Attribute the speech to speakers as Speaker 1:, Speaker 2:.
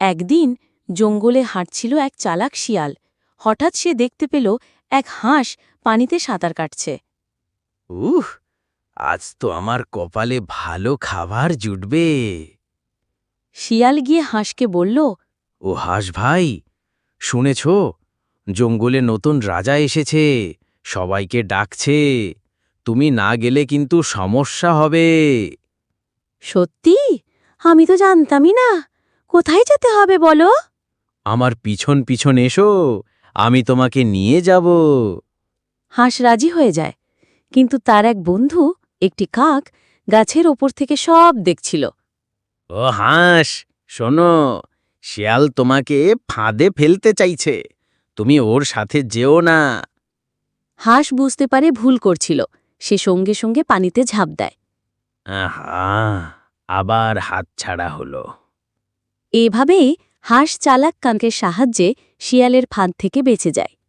Speaker 1: একদিন জঙ্গলে হাঁটছিল এক চালাক শিয়াল। হঠাৎ সে দেখতে পেল এক হাঁস পানিতে সাঁতার কাটছে।
Speaker 2: উহ, আজ তো আমার কপালে ভালো খাবার জুটবে।
Speaker 1: শিয়াল গিয়ে হাঁসকে বলল,
Speaker 2: ও হাঁস ভাই, শুনেছ জঙ্গলে নতুন রাজা এসেছে, সবাইকে ডাকছে। তুমি না গেলে কিন্তু সমস্যা হবে।
Speaker 1: সত্যি? আমি তো জানতামই না। কোথায় যেতে হবে বলো?
Speaker 2: আমার পিছন পিছন এসো, আমি তোমাকে নিয়ে যাব।
Speaker 1: হাঁস রাজি হয়ে যায়, কিন্তু তার এক বন্ধু, একটি কাক, গাছের ওপর থেকে সব দেখছিল।
Speaker 2: ও হাঁস, শোনো, শিয়াল তোমাকে ফাঁদে ফেলতে চাইছে, তুমি ওর সাথে যেও না।
Speaker 1: হাঁস বুঝতে পারে ভুল করছিল। সে সঙ্গে সঙ্গে পানিতে ঝাঁপ দেয়।
Speaker 2: আহা, আবার হাতছাড়া হলো।
Speaker 1: এভাবেই হাঁস চালাক কাকের সাহায্যে শিয়ালের ফাঁদ থেকে বেঁচে যায়।